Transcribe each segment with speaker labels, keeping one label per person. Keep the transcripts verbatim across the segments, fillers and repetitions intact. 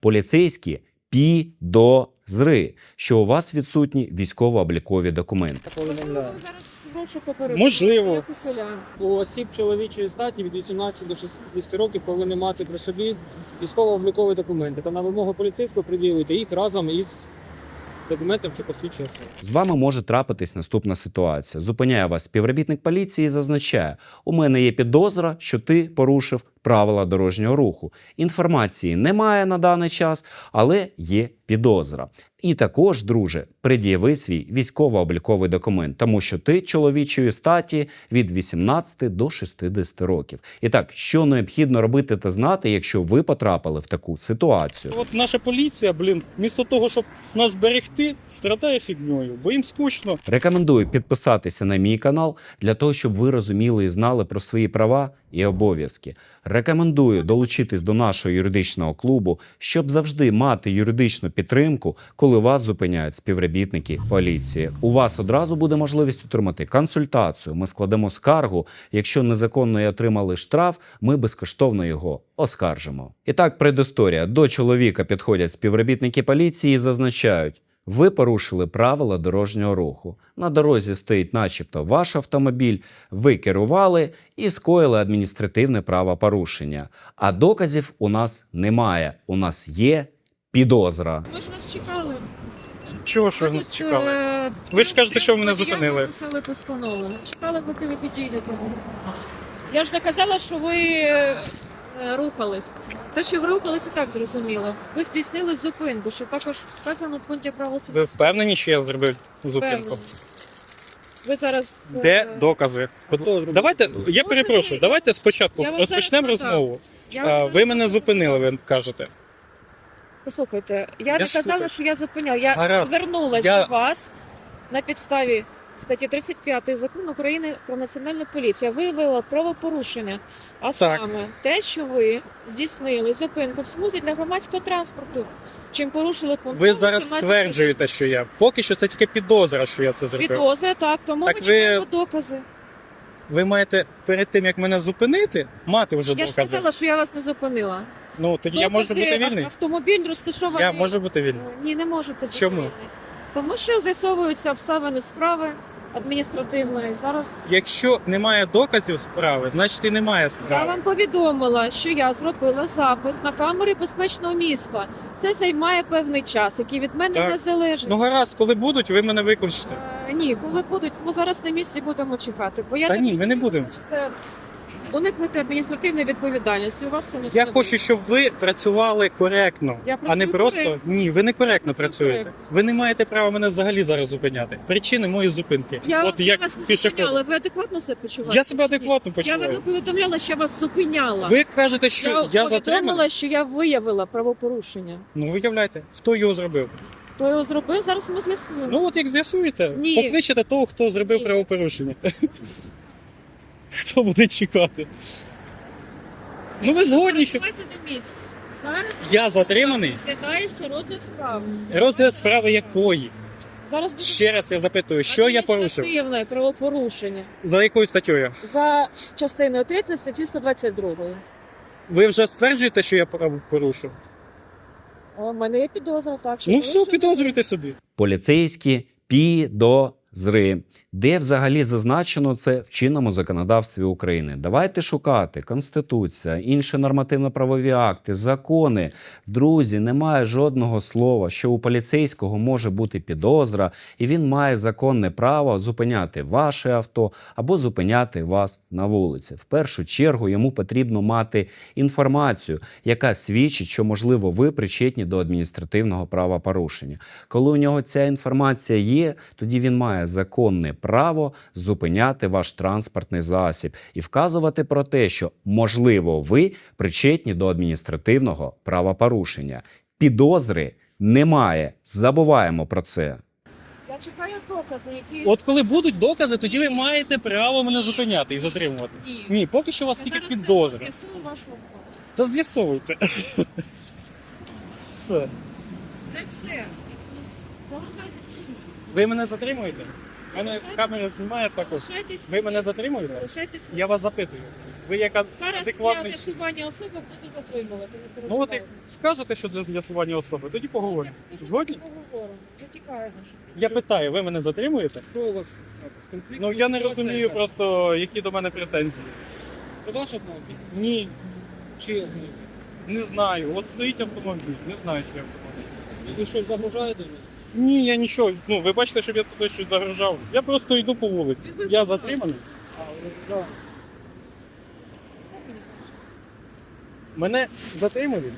Speaker 1: Поліцейські підозри, що у вас відсутні військово-облікові документи.
Speaker 2: Повідомляю.
Speaker 3: Зараз розшуку перевірки.
Speaker 2: Можливо.
Speaker 3: Як ухилян.
Speaker 2: У осіб чоловічої статі від вісімнадцяти до шістдесяти років повинні мати при собі військово-облікові документи. Та на вимогу поліцейського приділити їх разом із документом, що посвідчує особу.
Speaker 1: З вами може трапитись наступна ситуація. Зупиняє вас співробітник поліції і зазначає: у мене є підозра, що ти порушив правила дорожнього руху. Інформації немає на даний час, але є підозра. І також, друже, пред'яви свій військово-обліковий документ, тому що ти чоловічої статі від вісімнадцяти до шістдесяти років. І так, що необхідно робити та знати, якщо ви потрапили в таку ситуацію?
Speaker 4: От наша поліція, блін, вмісто того, щоб нас берегти, страдає фігньою, бо їм скучно.
Speaker 1: Рекомендую підписатися на мій канал для того, щоб ви розуміли і знали про свої права і обов'язки. Рекомендую долучитись до нашого юридичного клубу, щоб завжди мати юридичну підтримку, коли вас зупиняють співробітники поліції. У вас одразу буде можливість отримати консультацію. Ми складемо скаргу. Якщо незаконно і отримали штраф, ми безкоштовно його оскаржимо. І так, предісторія. До чоловіка підходять співробітники поліції і зазначають: ви порушили правила дорожнього руху. На дорозі стоїть начебто ваш автомобіль, ви керували і скоїли адміністративне правопорушення. А доказів у нас немає. У нас є підозра.
Speaker 3: Ми ж вас чекали.
Speaker 4: Чого ж ви
Speaker 3: Тут,
Speaker 4: нас чекали?
Speaker 3: е,
Speaker 4: Ви ж кажете, що ви мене
Speaker 3: водія
Speaker 4: зупинили.
Speaker 3: написали постанову. Чекали, поки ви підійдете. Я ж не казала, що ви е, рухались. Те, що ви рухались, і так зрозуміло. Ви здійснили зупинку, що також вказано в пункті правил
Speaker 4: Ви впевнені, що я зробив зупинку?
Speaker 3: Ви зараз... е,
Speaker 4: Де докази? Давайте, я перепрошую, давайте спочатку
Speaker 3: Я вам
Speaker 4: розпочнемо
Speaker 3: зараз надам.
Speaker 4: розмову.
Speaker 3: я вам
Speaker 4: А,
Speaker 3: зараз
Speaker 4: Ви мене
Speaker 3: розкажу.
Speaker 4: зупинили, ви кажете.
Speaker 3: Послухайте, я,
Speaker 4: Я
Speaker 3: не
Speaker 4: ж
Speaker 3: казала,
Speaker 4: слухаю.
Speaker 3: що я зупиняла. Я
Speaker 4: Гаразд.
Speaker 3: звернулася
Speaker 4: Я-
Speaker 3: до вас на підставі статті тридцять п'ять Закону України про національну поліцію. Виявила правопорушення, а
Speaker 4: Так.
Speaker 3: саме те, що ви здійснили зупинку в смузі для громадського транспорту, чим порушили пункт
Speaker 4: Ви зараз
Speaker 3: сімнадцять
Speaker 4: стверджуєте, що я. Поки що це тільки підозра, що я це зробив.
Speaker 3: підозри, так, тому
Speaker 4: Так
Speaker 3: ми
Speaker 4: ви-
Speaker 3: чекаємо докази.
Speaker 4: Ви маєте перед тим, як мене зупинити, мати вже
Speaker 3: Я ж
Speaker 4: докази.
Speaker 3: сказала, що я вас не зупинила.
Speaker 4: Ну, тоді я можу
Speaker 3: Докази,
Speaker 4: бути вільний.
Speaker 3: ав- Автомобіль розташований.
Speaker 4: Я можу бути вільний.
Speaker 3: Ні, не можете бути
Speaker 4: Чому?
Speaker 3: вільний. Тому що з'ясовуються обставини справи адміністративної. Зараз
Speaker 4: Якщо немає доказів справи, значить і немає
Speaker 3: я
Speaker 4: справи.
Speaker 3: вам повідомила, що я зробила запит на камери безпечного міста. Це займає певний час, який від мене
Speaker 4: Так.
Speaker 3: не залежить.
Speaker 4: Ну гаразд, коли будуть, ви мене викличете.
Speaker 3: Е, Ні, коли будуть, ми зараз на місці будемо чекати. Бо я
Speaker 4: Та
Speaker 3: так
Speaker 4: ні, ми не
Speaker 3: розумію,
Speaker 4: будемо.
Speaker 3: хочете уникнути адміністративної відповідальності. У вас це не
Speaker 4: Я
Speaker 3: буде.
Speaker 4: хочу, щоб ви працювали коректно,
Speaker 3: Я
Speaker 4: а не
Speaker 3: працюю
Speaker 4: просто
Speaker 3: коректно.
Speaker 4: ні, ви не коректно
Speaker 3: Працюю
Speaker 4: працюєте.
Speaker 3: коректно.
Speaker 4: Ви не маєте права мене взагалі зараз зупиняти. Причини моєї зупинки.
Speaker 3: Я,
Speaker 4: От
Speaker 3: я
Speaker 4: як
Speaker 3: вас не
Speaker 4: пішохід.
Speaker 3: зупиняла. Ви адекватно себе почуваєте?
Speaker 4: Я себе адекватно
Speaker 3: Я вам
Speaker 4: почуваю.
Speaker 3: не повідомляла, що я вас зупиняла.
Speaker 4: Ви кажете, що
Speaker 3: я
Speaker 4: я,
Speaker 3: повідомила,
Speaker 4: затриманий?
Speaker 3: що я виявила правопорушення.
Speaker 4: Ну виявляйте, хто його зробив.
Speaker 3: Хто його зробив, зараз ми з'ясуємо.
Speaker 4: Ну от як з'ясуєте,
Speaker 3: Ні.
Speaker 4: покличете того, хто зробив
Speaker 3: Ні.
Speaker 4: правопорушення. Хто буде чекати? Ну ви згодні, що
Speaker 3: Давайте на місці. Зараз
Speaker 4: я затриманий?
Speaker 3: розглядається розгляд справи.
Speaker 4: Розгляд справи якої?
Speaker 3: Зараз буде
Speaker 4: Ще раз я запитую, що я порушив?
Speaker 3: адміністративне правопорушення
Speaker 4: За якою статтею?
Speaker 3: за частиною третьої статті сто двадцять два.
Speaker 4: Ви вже стверджуєте, що я право порушив?
Speaker 3: У мене є підозра, так що
Speaker 4: Ну все,
Speaker 3: порушення.
Speaker 4: підозрюйте собі.
Speaker 1: Поліцейські підозри. Де взагалі зазначено це в чинному законодавстві України? Давайте шукати Конституція, інші нормативно-правові акти, закони. Друзі, немає жодного слова, що у поліцейського може бути підозра, і він має законне право зупиняти ваше авто або зупиняти вас на вулиці. В першу чергу йому потрібно мати інформацію, яка свідчить, що, можливо, ви причетні до адміністративного правопорушення. Коли у нього ця інформація є, тоді він має законне право зупиняти ваш транспортний засіб і вказувати про те, що, можливо, ви причетні до адміністративного правопорушення. Підозри немає. Забуваємо про це.
Speaker 3: Я чекаю докази, які...
Speaker 4: От коли будуть докази, тоді ви маєте право мене зупиняти і затримувати.
Speaker 3: Ні.
Speaker 4: Ні, поки що у вас
Speaker 3: Я
Speaker 4: тільки
Speaker 3: зараз
Speaker 4: підозра.
Speaker 3: з'ясую вашу особу.
Speaker 4: Та з'ясовуйте. Все.
Speaker 3: Це все. Заважайте.
Speaker 4: Ви мене затримуєте? У мене камера знімає також.
Speaker 3: Лишайтесь.
Speaker 4: Ви мене затримуєте?
Speaker 3: Лишайтесь.
Speaker 4: Я вас запитую. Ви яка
Speaker 3: Зараз для
Speaker 4: адекватний...
Speaker 3: з'ясування особи буду затримувати. Не
Speaker 4: Ну от як
Speaker 3: переживайте.
Speaker 4: скажете, що для з'ясування особи, тоді поговоримо.
Speaker 3: Так, скажіть,
Speaker 4: Згодні?
Speaker 3: поговоримо. Вже тікаємо.
Speaker 4: Я питаю, ви мене затримуєте?
Speaker 2: Що у вас трапилось? Конфлікт?
Speaker 4: Ну я не
Speaker 2: Ситуація
Speaker 4: розумію
Speaker 2: якась?
Speaker 4: просто, які до мене претензії.
Speaker 2: Це ваш автомобіль?
Speaker 4: Ні,
Speaker 2: Чи автомобіль?
Speaker 4: не знаю. От стоїть автомобіль, не знаю, чи автомобіль.
Speaker 2: Ви щось загрожаєте мені?
Speaker 4: Ні, я нічого. Ну, ви бачите, щоб я тут щось загрожав. Я просто йду по вулиці. Я затриманий.
Speaker 2: А, ну, да.
Speaker 4: Мене затримали.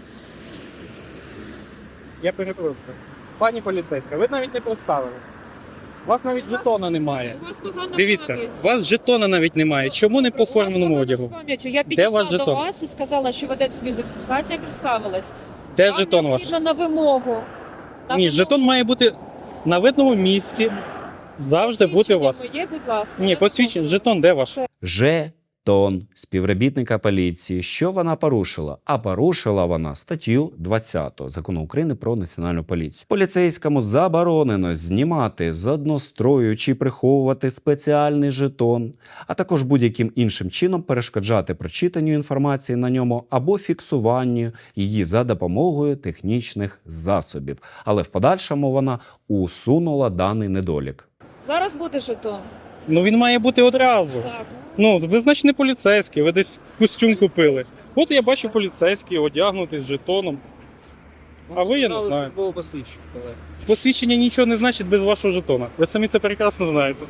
Speaker 4: Я перепрошую. Пані поліцейська, ви навіть не представились. У вас навіть жетона немає.
Speaker 3: У вас погана
Speaker 4: Дивіться,
Speaker 3: пам'ять.
Speaker 4: у вас жетона навіть немає. Чому не по
Speaker 3: У вас
Speaker 4: форменому
Speaker 3: погана
Speaker 4: одягу?
Speaker 3: пам'ять. Я
Speaker 4: Де
Speaker 3: підійшла
Speaker 4: ваш
Speaker 3: до
Speaker 4: жетон?
Speaker 3: вас і сказала, що ведеться відеофіксація, представилась.
Speaker 4: Де
Speaker 3: Вам
Speaker 4: жетон ваш?
Speaker 3: необхідно на вимогу. На
Speaker 4: Ні,
Speaker 3: вимогу.
Speaker 4: жетон має бути на видному місці. Завжди бути у вас.
Speaker 3: Посвідчення моє, будь ласка.
Speaker 4: Ні,
Speaker 3: Я
Speaker 4: посвідчення, жетон де ваш?
Speaker 1: Жетон співробітника поліції. Що вона порушила? А порушила вона статтю двадцять Закону України про національну поліцію. Поліцейському заборонено знімати з однострою чи приховувати спеціальний жетон, а також будь-яким іншим чином перешкоджати прочитанню інформації на ньому або фіксуванню її за допомогою технічних засобів. Але в подальшому вона усунула даний недолік.
Speaker 3: Зараз буде жетон.
Speaker 4: Ну він має бути одразу.
Speaker 3: Так.
Speaker 4: Ну, ви значить не поліцейський, ви десь костюм купили. От я бачу поліцейський одягнутий з жетоном. А ви, я не
Speaker 2: Показали
Speaker 4: знаю.
Speaker 2: службове посвідчення, колеги.
Speaker 4: Посвідчення нічого не значить без вашого жетона. Ви самі це прекрасно знаєте.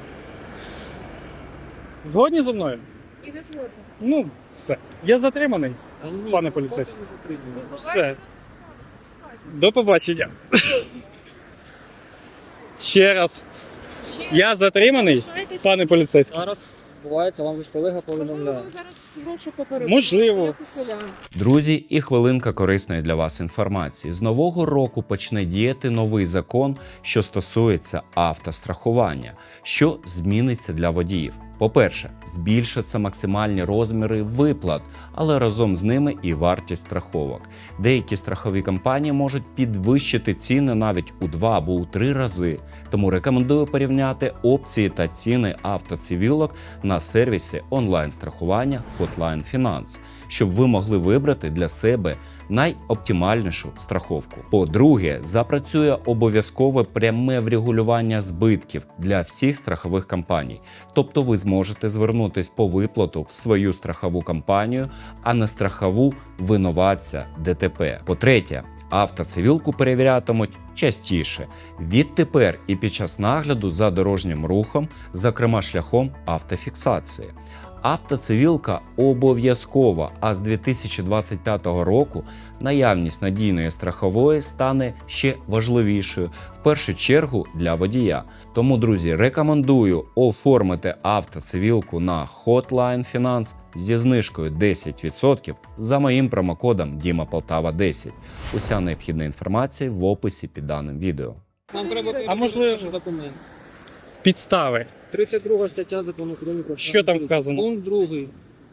Speaker 4: Згодні зі мною?
Speaker 3: І не згодна.
Speaker 4: Ну, все. Я затриманий.
Speaker 2: А ні,
Speaker 4: Пане
Speaker 2: ну,
Speaker 4: поліцейський.
Speaker 2: поки не затримуємо.
Speaker 4: Все. До побачення. Ще раз.
Speaker 3: Ще
Speaker 4: Я затриманий,
Speaker 3: залишайтесь.
Speaker 4: пане поліцейський.
Speaker 2: Зараз відбувається, вам же ж колега
Speaker 3: Можливо,
Speaker 2: повідомляє.
Speaker 3: ви зараз гроші попередили.
Speaker 4: Можливо.
Speaker 3: Я похиляю.
Speaker 1: Друзі, і хвилинка корисної для вас інформації. З нового року почне діяти новий закон, що стосується автострахування. Що зміниться для водіїв? По-перше, збільшаться максимальні розміри виплат, але разом з ними і вартість страховок. Деякі страхові компанії можуть підвищити ціни навіть у два або у три рази. Тому рекомендую порівняти опції та ціни автоцивілок на сервісі онлайн-страхування Hotline Finance, щоб ви могли вибрати для себе найоптимальнішу страховку. По-друге, запрацює обов'язкове пряме врегулювання збитків для всіх страхових компаній. Тобто ви зможете звернутись по виплату в свою страхову компанію, а не страхову винуватця ДТП. По-третє, автоцивілку перевірятимуть частіше. Відтепер і під час нагляду за дорожнім рухом, зокрема шляхом автофіксації. Автоцивілка обов'язкова, а з дві тисячі двадцять п'ятого року наявність надійної страхової стане ще важливішою, в першу чергу для водія. Тому, друзі, рекомендую оформити автоцивілку на Hotline Finance зі знижкою десять відсотків за моїм промокодом Діма Полтава десять. Уся необхідна інформація в описі під даним відео.
Speaker 2: Нам треба
Speaker 3: А
Speaker 2: перевірити
Speaker 4: можливо-
Speaker 2: ваші документи.
Speaker 4: Підстави.
Speaker 2: тридцять друга стаття Закону України про
Speaker 4: Що там
Speaker 2: поліцію.
Speaker 4: вказано?
Speaker 2: Пункт другий.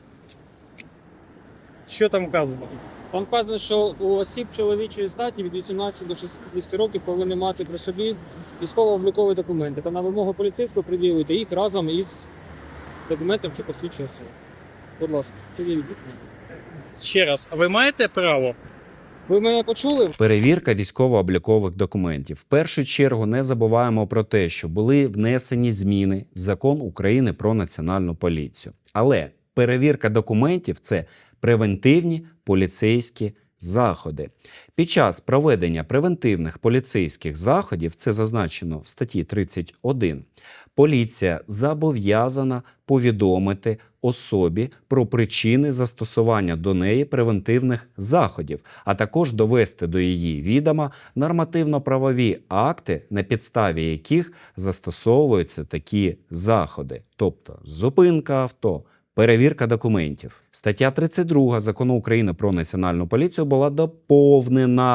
Speaker 4: Що там вказано?
Speaker 2: Там вказано, що у осіб чоловічої статі від вісімнадцяти до шістдесяти років повинні мати при собі військово-облікові документи. Та на вимогу поліцейського приділити їх разом із документом, що посвідчує особу. Будь ласка, підійдіть.
Speaker 4: Ще раз, а ви маєте право?
Speaker 2: Ви мене почули?
Speaker 1: Перевірка військово-облікових документів. В першу чергу не забуваємо про те, що були внесені зміни в Закон України про національну поліцію. Але перевірка документів – це превентивні поліцейські заходи. Під час проведення превентивних поліцейських заходів, це зазначено в статті тридцять один, поліція зобов'язана повідомити особі про причини застосування до неї превентивних заходів, а також довести до її відома нормативно-правові акти, на підставі яких застосовуються такі заходи, тобто зупинка авто, перевірка документів. Стаття тридцять два Закону України про національну поліцію була доповнена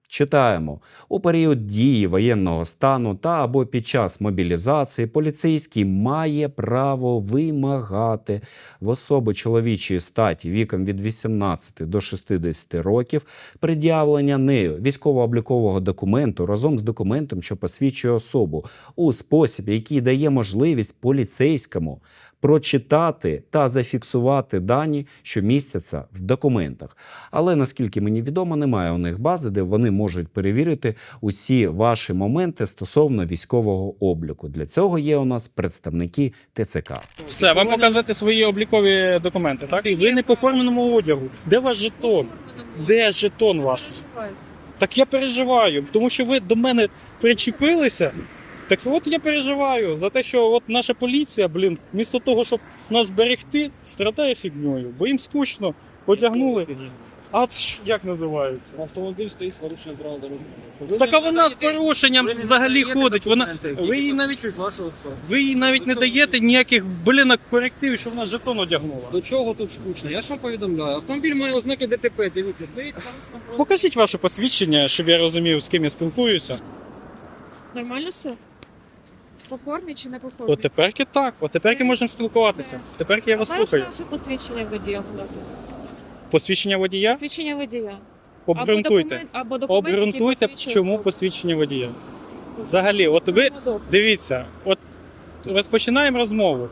Speaker 1: Читаємо. У період дії воєнного стану та або під час мобілізації поліцейський має право вимагати в особи чоловічої статі віком від вісімнадцяти до шістдесяти років пред'явлення нею військово-облікового документу разом з документом, що посвідчує особу, у спосіб, який дає можливість поліцейському прочитати та зафіксувати дані, що містяться в документах. Але, наскільки мені відомо, немає у них бази, де вони можуть перевірити усі ваші моменти стосовно військового обліку. Для цього є у нас представники Те Це Ка.
Speaker 4: Все, вам показати свої облікові документи, так? Ви не по форменому одягу. Де ваш жетон? Де жетон ваш? Так я переживаю, тому що ви до мене причепилися. Так от я переживаю за те, що от наша поліція, блін, вмісто того, щоб нас берегти, страдає фігньою, бо їм скучно, одягнули. А це ж як називається?
Speaker 2: Автомобіль стоїть з порушенням правил дорожнього руху.
Speaker 4: Так а вона з порушенням взагалі ходить. Вона ви їй навіть
Speaker 2: вашу особу.
Speaker 4: ви їй навіть не даєте ніяких блін корективів, що вона жетон одягнула.
Speaker 2: До чого тут скучно? Я ж вам повідомляю. Автомобіль має ознаки Де Те Пе. Дивіться, стоїть там.
Speaker 4: Покажіть ваше посвідчення, щоб я розумів, з ким я спілкуюся.
Speaker 3: Нормально все? По формі чи не по формі?
Speaker 4: От теперки так, от теперки можемо спілкуватися. Теперки я вас
Speaker 3: Знаєш
Speaker 4: слухаю.
Speaker 3: наше посвідчення водія, будь ласка?
Speaker 4: Посвідчення водія?
Speaker 3: Посвідчення водія.
Speaker 4: Обґрунтуйте.
Speaker 3: Або документ, або документ, який
Speaker 4: Обґрунтуйте,
Speaker 3: посвідчує
Speaker 4: чому
Speaker 3: особу.
Speaker 4: посвідчення водія. Взагалі, от ви
Speaker 3: Ну, добре.
Speaker 4: дивіться, от розпочинаємо розмову.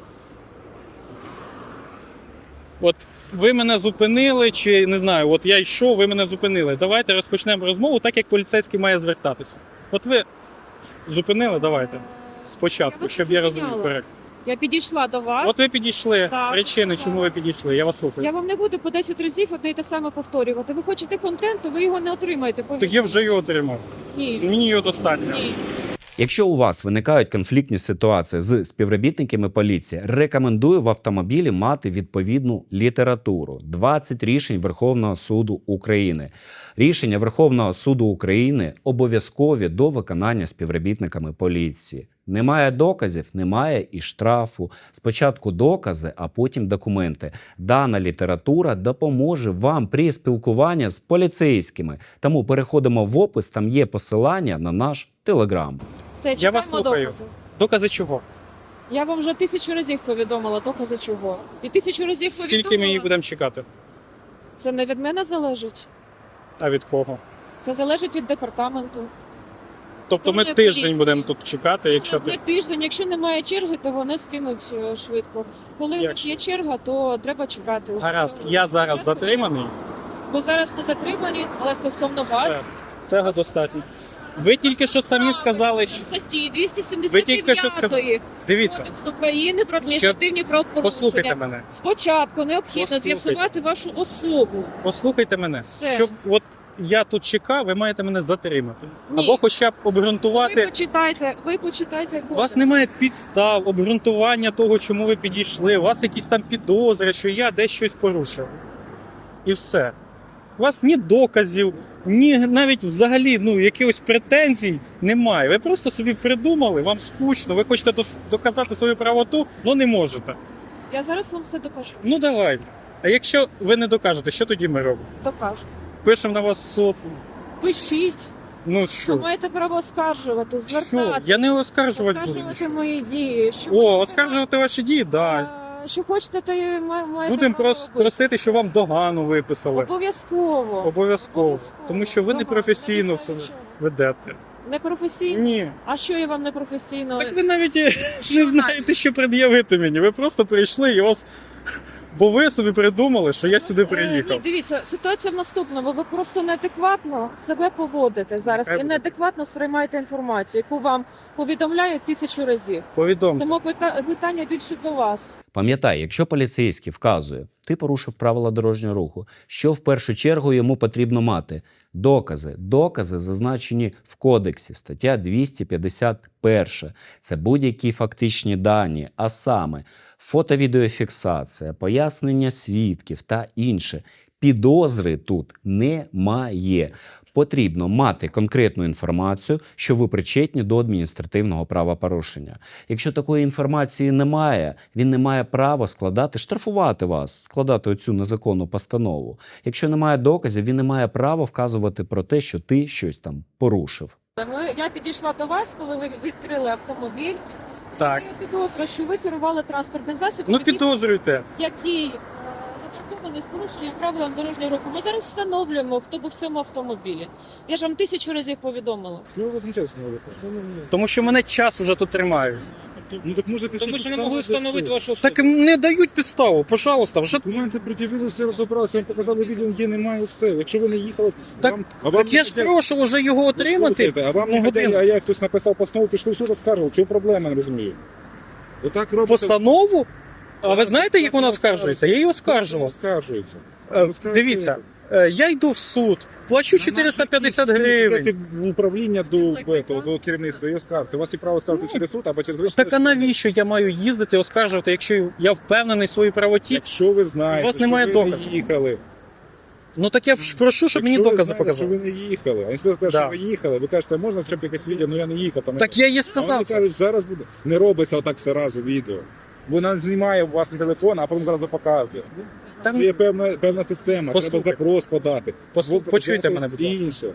Speaker 4: От ви мене зупинили, чи не знаю, от я йшов, ви мене зупинили. Давайте розпочнемо розмову так, як поліцейський має звертатися. От ви зупинили, давайте.
Speaker 3: Я
Speaker 4: Спочатку,
Speaker 3: вас
Speaker 4: щоб я
Speaker 3: не
Speaker 4: розумів
Speaker 3: зупиняла.
Speaker 4: коректно.
Speaker 3: Я підійшла до вас.
Speaker 4: От ви підійшли.
Speaker 3: Так,
Speaker 4: Причини,
Speaker 3: так.
Speaker 4: чому ви підійшли. Я вас слухаю.
Speaker 3: Я вам не буду по десять разів одне й те саме повторювати. Ви хочете контенту, ви його не отримаєте.
Speaker 4: Так я вже його отримав.
Speaker 3: Ні.
Speaker 4: Мені його достатньо.
Speaker 3: Ні.
Speaker 1: Якщо у вас виникають конфліктні ситуації з співробітниками поліції, рекомендую в автомобілі мати відповідну літературу. двадцять рішень Верховного суду України. Рішення Верховного суду України обов'язкові до виконання співробітниками поліції. Немає доказів, немає і штрафу. Спочатку докази, а потім документи. Дана література допоможе вам при спілкуванні з поліцейськими. Тому переходимо в опис, там є посилання на наш Телеграм.
Speaker 3: Все,
Speaker 4: Я вас
Speaker 3: чекаємо
Speaker 4: слухаю.
Speaker 3: докази.
Speaker 4: Докази чого?
Speaker 3: Я вам вже тисячу разів повідомила докази чого. І тисячу разів
Speaker 4: Скільки
Speaker 3: повідомила.
Speaker 4: ми їх будемо чекати?
Speaker 3: Це не від мене залежить.
Speaker 4: А від кого?
Speaker 3: Це залежить від департаменту.
Speaker 4: Тобто ми
Speaker 3: Дуже
Speaker 4: тиждень
Speaker 3: поліція.
Speaker 4: будемо тут чекати, якщо
Speaker 3: Не
Speaker 4: ти.
Speaker 3: тиждень, якщо немає черги, то вони скинуть е, швидко. Коли у них
Speaker 4: Якщо?
Speaker 3: є черга, то треба чекати.
Speaker 4: Гаразд, я зараз затриманий.
Speaker 3: Ви зараз не затримані, але стосовно вас.
Speaker 4: Все, цього достатньо. Ви тільки що самі сказали, що
Speaker 3: Статті двісті сімдесят
Speaker 4: Ви тільки що сказали-
Speaker 3: п'ять
Speaker 4: дивіться,
Speaker 3: Кодексу України про адміністративні
Speaker 4: послухайте
Speaker 3: правопорушення.
Speaker 4: мене.
Speaker 3: Спочатку необхідно
Speaker 4: Послухайте.
Speaker 3: з'ясувати вашу особу.
Speaker 4: Послухайте мене.
Speaker 3: Все.
Speaker 4: Щоб от я тут чекав, ви маєте мене затримати.
Speaker 3: Ні.
Speaker 4: Або хоча б
Speaker 3: Ви
Speaker 4: обґрунтувати.
Speaker 3: почитайте, ви почитайте
Speaker 4: У
Speaker 3: кодекс.
Speaker 4: вас немає підстав, обґрунтування того, чому ви підійшли. У вас якісь там підозри, що я десь щось порушив. І все. У вас ні доказів, ні навіть взагалі ну, якихось претензій немає. Ви просто собі придумали, вам скучно, ви хочете дос- доказати свою правоту, але не можете.
Speaker 3: Я зараз вам все докажу.
Speaker 4: Ну давайте. А якщо ви не докажете, що тоді ми робимо?
Speaker 3: Докажу.
Speaker 4: Пишемо на вас в суд.
Speaker 3: Пишіть.
Speaker 4: Ну
Speaker 3: Ви
Speaker 4: що?
Speaker 3: маєте право оскаржувати,
Speaker 4: Що?
Speaker 3: звертати.
Speaker 4: Я не оскаржувати буду.
Speaker 3: Оскаржувати мої дії. Що
Speaker 4: О,
Speaker 3: хочете,
Speaker 4: оскаржувати ваші дії, так. Да.
Speaker 3: а, Що хочете, то і ма- маєте
Speaker 4: Будемо
Speaker 3: право
Speaker 4: прос-
Speaker 3: робити.
Speaker 4: просити, щоб вам догану виписали.
Speaker 3: Обов'язково.
Speaker 4: Обов'язково. Тому що ви
Speaker 3: Догану.
Speaker 4: непрофесійно
Speaker 3: На
Speaker 4: себе
Speaker 3: підставі чого?
Speaker 4: ведете.
Speaker 3: Непрофесійно?
Speaker 4: Ні.
Speaker 3: А що я вам непрофесійно?
Speaker 4: Так ви навіть і
Speaker 3: Що
Speaker 4: не знаєте, що пред'явити мені. Ви просто прийшли і вас. Бо ви собі придумали, що я сюди
Speaker 3: Е,
Speaker 4: приїхав.
Speaker 3: Ні, дивіться, ситуація в наступному. Ви просто неадекватно себе поводите зараз
Speaker 4: Нехай
Speaker 3: і
Speaker 4: буде.
Speaker 3: неадекватно сприймаєте інформацію, яку вам повідомляють тисячу разів.
Speaker 4: Повідомте.
Speaker 3: Тому пита- питання більше до вас.
Speaker 1: Пам'ятай, якщо поліцейський вказує, ти порушив правила дорожнього руху, що в першу чергу йому потрібно мати? Докази. Докази зазначені в кодексі, стаття двісті п'ятдесят один. Це будь-які фактичні дані, а саме фото-відеофіксація, пояснення свідків та інше. Підозри тут немає. потрібно мати конкретну інформацію, що ви причетні до адміністративного правопорушення. Якщо такої інформації немає, він не має права складати, штрафувати вас, складати оцю незаконну постанову. Якщо немає доказів, він не має права вказувати про те, що ти щось там порушив.
Speaker 3: Ми- Я підійшла до вас, коли ви відкрили автомобіль.
Speaker 4: Так.
Speaker 3: Я підозрюю, що ви керували транспортним засобом,
Speaker 4: Ну
Speaker 3: який-
Speaker 4: підозрюйте.
Speaker 3: який е, запаркований з порушенням правилам дорожнього руху. Ми зараз встановлюємо, хто був в цьому автомобілі. Я ж вам тисячу разів повідомила.
Speaker 5: Що ви возмущаєтесь на вулиці?
Speaker 4: Тому що мене час уже тут тримають.
Speaker 5: Ну так може
Speaker 2: Тому що не могли встановити вашу особу.
Speaker 4: Так не дають підставу, пожалуйста, вже.
Speaker 5: Документи пред'явили, все розібралися, вам показали відео, є, немає, все. Якщо ви не їхали,
Speaker 4: Так-
Speaker 5: вам, а вам
Speaker 4: Так я ж
Speaker 5: не
Speaker 4: прошу вже його
Speaker 5: хотять-
Speaker 4: отримати.
Speaker 5: Слухайте, а вам
Speaker 4: ну,
Speaker 5: не хотять,
Speaker 4: годину.
Speaker 5: а я хтось написав постанову, пішли в суд, оскаржував. Чому проблема, не розумію? Отак робите.
Speaker 4: Постанову? А ви знаєте, як вона скаржується? Я її оскаржував.
Speaker 5: Оскаржується.
Speaker 4: Е, Дивіться, е, я йду в суд, плачу чотириста п'ятдесят гривень.
Speaker 5: Йдете в управління до, до, до керівництва і оскаржите. У вас є право скаржити
Speaker 4: Ну,
Speaker 5: через суд або через вищий
Speaker 4: Так а
Speaker 5: суд.
Speaker 4: навіщо я маю їздити, оскаржувати, якщо я впевнений в своїй правоті?
Speaker 5: Якщо ви знаєте,
Speaker 4: У вас
Speaker 5: що
Speaker 4: немає
Speaker 5: ви
Speaker 4: доказів.
Speaker 5: не їхали.
Speaker 4: Ну так я ж прошу, щоб мені
Speaker 5: Якщо ви
Speaker 4: докази
Speaker 5: знаєте,
Speaker 4: показали.
Speaker 5: що ви не їхали. А інспектор каже,
Speaker 4: Да.
Speaker 5: що ви їхали. Ви кажете, можна хоча б якесь відео, ну я не їхав. Там
Speaker 4: Так я їй
Speaker 5: А
Speaker 4: сказав
Speaker 5: вони
Speaker 4: це.
Speaker 5: кажуть, зараз буде. Не робиться отак все разу відео. Вона знімає у вас на телефон, а потім зразу показує.
Speaker 4: Там-
Speaker 5: Це є певна, певна система,
Speaker 4: Послухай.
Speaker 5: треба запрос подати.
Speaker 4: Послу-
Speaker 5: Бо-
Speaker 4: Почуйте
Speaker 5: взяти
Speaker 4: мене, будь ласка.
Speaker 5: інше.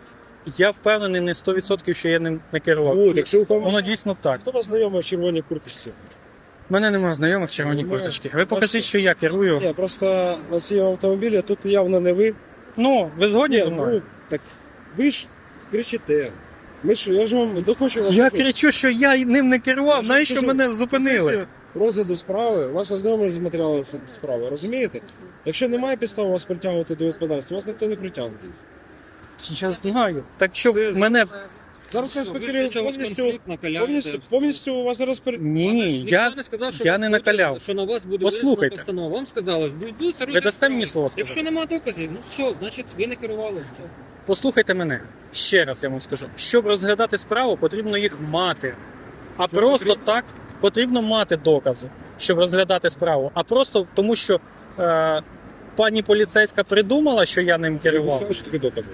Speaker 4: Я впевнений не сто відсотків, що я ним не керував.
Speaker 5: От, якщо ви
Speaker 4: Воно дійсно так.
Speaker 5: Хто вас знайомий в червоній курточці?
Speaker 4: У мене немає знайомих в червоній
Speaker 5: Немає.
Speaker 4: курточці. Ви покажіть, що я керую.
Speaker 6: Ні, просто на цьому автомобілі тут явно не ви.
Speaker 4: Ну, ви згодні
Speaker 6: Ні,
Speaker 4: зі мною?
Speaker 6: ну, так ви ж кричите. Ми ж, я ж вам дохочу вас.
Speaker 4: Я
Speaker 6: почути.
Speaker 4: кричу, що я ним не керував,
Speaker 6: Я
Speaker 4: навіщо
Speaker 6: кажу,
Speaker 4: мене зупинили?
Speaker 6: Після розгляду справи, вас ознайомили з матеріалами справи, розумієте? Якщо немає підстав вас притягувати до відповідальності, вас ніхто не притягне.
Speaker 4: Я знаю. Так що мене.
Speaker 6: Зараз вас
Speaker 2: Ви ж
Speaker 6: повністю,
Speaker 2: почали
Speaker 6: повністю,
Speaker 2: конфлікт, накаляєте.
Speaker 6: повністю, повністю у вас зараз пер...
Speaker 4: Ні,
Speaker 2: Ніхто
Speaker 4: я.
Speaker 2: не сказав, що
Speaker 4: я
Speaker 2: ви
Speaker 4: не
Speaker 2: будете-
Speaker 4: накаляв.
Speaker 2: Що на вас буде
Speaker 4: Послухайте.
Speaker 2: винесена постанова. Вам сказали, відбудеться
Speaker 4: Ви
Speaker 2: розгляд
Speaker 4: дасте мені
Speaker 2: справи.
Speaker 4: слово сказати?
Speaker 2: Якщо немає доказів, ну все, значить ви не керували. Все.
Speaker 4: Послухайте мене. Ще раз я вам скажу. Щоб розглядати справу, потрібно їх мати. А
Speaker 2: Що
Speaker 4: просто
Speaker 2: потрібно?
Speaker 4: так потрібно мати докази, щоб розглядати справу. А просто тому, що е, пані поліцейська придумала, що я ним
Speaker 5: Ви
Speaker 4: керував.
Speaker 5: знаєте, що таке докази?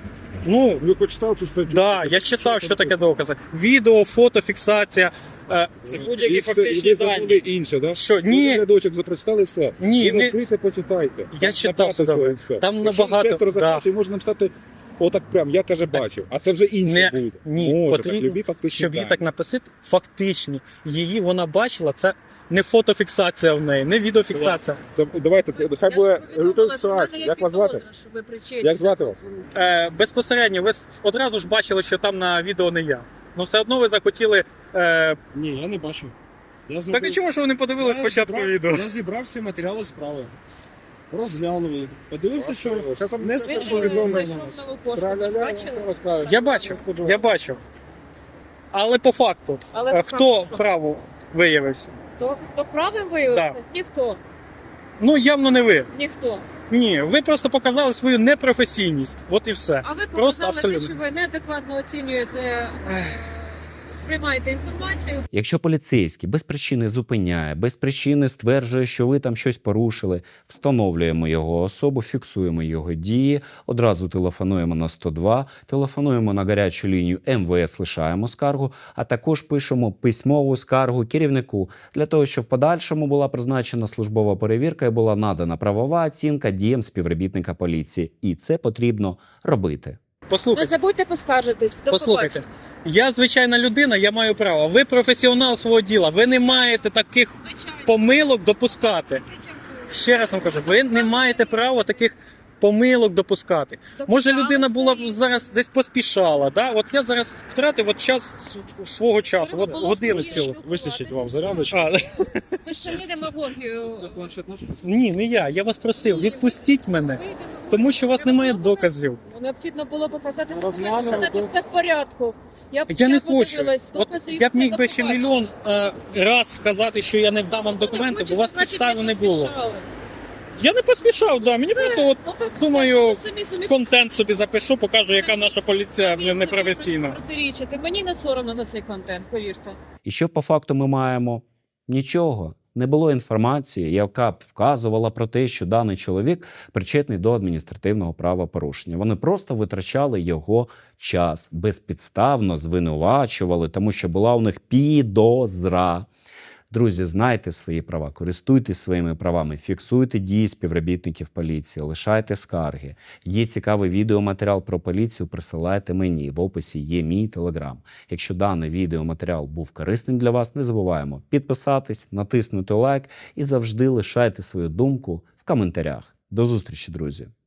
Speaker 4: Ну,
Speaker 5: Ви хоч читали цю статтю?
Speaker 4: да, я читав, що таке докази. Відео, фото, фіксація. Е,
Speaker 2: Це будь-які
Speaker 5: І все,
Speaker 2: фактичні
Speaker 5: і ви забули
Speaker 2: дані.
Speaker 5: інше, да?
Speaker 4: що
Speaker 5: Ви
Speaker 4: ні,
Speaker 5: рядочок запрочитали все.
Speaker 4: ні,
Speaker 5: Ви
Speaker 4: не,
Speaker 5: відкрийте, почитайте.
Speaker 4: Я
Speaker 5: Там
Speaker 4: читав
Speaker 5: набагато
Speaker 4: все
Speaker 5: всього
Speaker 4: добре.
Speaker 5: і все.
Speaker 4: Там
Speaker 5: Якщо
Speaker 4: набагато,
Speaker 5: інспектор
Speaker 4: да.
Speaker 5: захоче, можна написати отак прям, я каже,
Speaker 4: Так.
Speaker 5: бачив. А це вже інше
Speaker 4: Не-
Speaker 5: буде.
Speaker 4: ні,
Speaker 5: Може,
Speaker 4: потрібно,
Speaker 5: так, любі фактичні
Speaker 4: щоб її
Speaker 5: дані.
Speaker 4: так написати, фактичні. Її вона бачила, це не фотофіксація в неї, не відеофіксація.
Speaker 5: Це, давайте, це, хай
Speaker 3: Я
Speaker 5: буде
Speaker 3: ж повідомила,
Speaker 5: готові
Speaker 3: що в мене
Speaker 5: ситуації.
Speaker 3: є
Speaker 5: Як вас звати?
Speaker 3: підозра, що ви причетні.
Speaker 5: Як звати вас?
Speaker 4: Е, безпосередньо, ви с- одразу ж бачили, що там на відео не я. Ну все одно ви захотіли. Е,
Speaker 6: Ні, я не бачив. Я
Speaker 4: так
Speaker 6: зробив-
Speaker 4: і чому ж ви не подивились
Speaker 6: Я
Speaker 4: спочатку
Speaker 6: зібрав-
Speaker 4: відео?
Speaker 6: Я зібрав всі матеріали справи. Розглянув їх. Подивився, що
Speaker 5: Зараз вам
Speaker 6: не
Speaker 5: скажу,
Speaker 3: Ви
Speaker 6: скажу,
Speaker 5: що
Speaker 3: ж
Speaker 6: відомо.
Speaker 5: відомо.
Speaker 3: зайшов нову пошту, ви
Speaker 5: Траля-ля,
Speaker 3: бачили?
Speaker 5: все розкажу.
Speaker 4: Я бачив, я бачив. Але по факту,
Speaker 3: Але
Speaker 4: е, хто
Speaker 3: правда, що?
Speaker 4: право виявився?
Speaker 3: Хто, хто правим виявився? Ніхто.
Speaker 4: Ну явно не ви.
Speaker 3: Ніхто.
Speaker 4: Ні, ви просто показали свою непрофесійність. От і все.
Speaker 3: А ви
Speaker 4: Просто
Speaker 3: показали те,
Speaker 4: абсолютно.
Speaker 3: що ви неадекватно оцінюєте, е, сприймаєте інформацію.
Speaker 1: Якщо поліцейський без причини зупиняє, без причини стверджує, що ви там щось порушили, встановлюємо його особу, фіксуємо його дії, одразу телефонуємо на сто два, телефонуємо на гарячу лінію ем ве ес, лишаємо скаргу, а також пишемо письмову скаргу керівнику для того, щоб в подальшому була призначена службова перевірка і була надана правова оцінка діям співробітника поліції. І це потрібно робити.
Speaker 3: Не
Speaker 4: Послухайте,
Speaker 3: забудьте поскаржитись. До
Speaker 4: послухайте. Я звичайна людина, я маю право. Ви професіонал свого діла. Ви не маєте таких
Speaker 3: побачення.
Speaker 4: помилок допускати. Ще раз вам кажу, ви не маєте права таких помилок допускати. Може, людина була б зараз десь поспішала. Да? От я зараз втратив от час с- свого часу, от годину цілу.
Speaker 6: Вистачить вам зарядочку.
Speaker 4: А,
Speaker 3: Ви ж самі демагогію.
Speaker 2: Це планшет наш?
Speaker 4: ні, не я. Я вас просив, відпустіть мене,
Speaker 3: Ви демагогію.
Speaker 4: тому що у вас немає
Speaker 3: Треба було
Speaker 4: доказів.
Speaker 3: показати. Необхідно було показати,
Speaker 2: Розглянули,
Speaker 3: сказати,
Speaker 2: то-
Speaker 3: все в порядку. Я, б-
Speaker 4: Я не хочу.
Speaker 3: подивилась,
Speaker 4: От
Speaker 3: докази і
Speaker 4: я б
Speaker 3: все,
Speaker 4: міг
Speaker 3: до
Speaker 4: би ще
Speaker 3: побачення.
Speaker 4: мільйон е, раз сказати, що я не вдам вам документи, бо у вас
Speaker 3: Значить,
Speaker 4: підстави
Speaker 3: ви
Speaker 4: не було.
Speaker 3: поспішали.
Speaker 4: Я не поспішав, да. Мені просто от
Speaker 3: Ну, так,
Speaker 4: думаю,
Speaker 3: все, самі собі
Speaker 4: контент собі запишу, покажу, яка
Speaker 3: самі-
Speaker 4: наша поліція
Speaker 3: самі собі
Speaker 4: непрофесійна.
Speaker 3: протирічите. Мені не соромно за цей контент, повірте.
Speaker 1: І що по факту ми маємо? Нічого. не було інформації, яка б вказувала про те, що даний чоловік причетний до адміністративного правопорушення. Вони просто витрачали його час, безпідставно звинувачували, тому що була у них підозра. Друзі, знайте свої права, користуйтесь своїми правами, фіксуйте дії співробітників поліції, лишайте скарги. Є цікавий відеоматеріал про поліцію, присилайте мені. В описі є мій телеграм. Якщо даний відеоматеріал був корисним для вас, не забуваємо підписатись, натиснути лайк і завжди лишайте свою думку в коментарях. До зустрічі, друзі!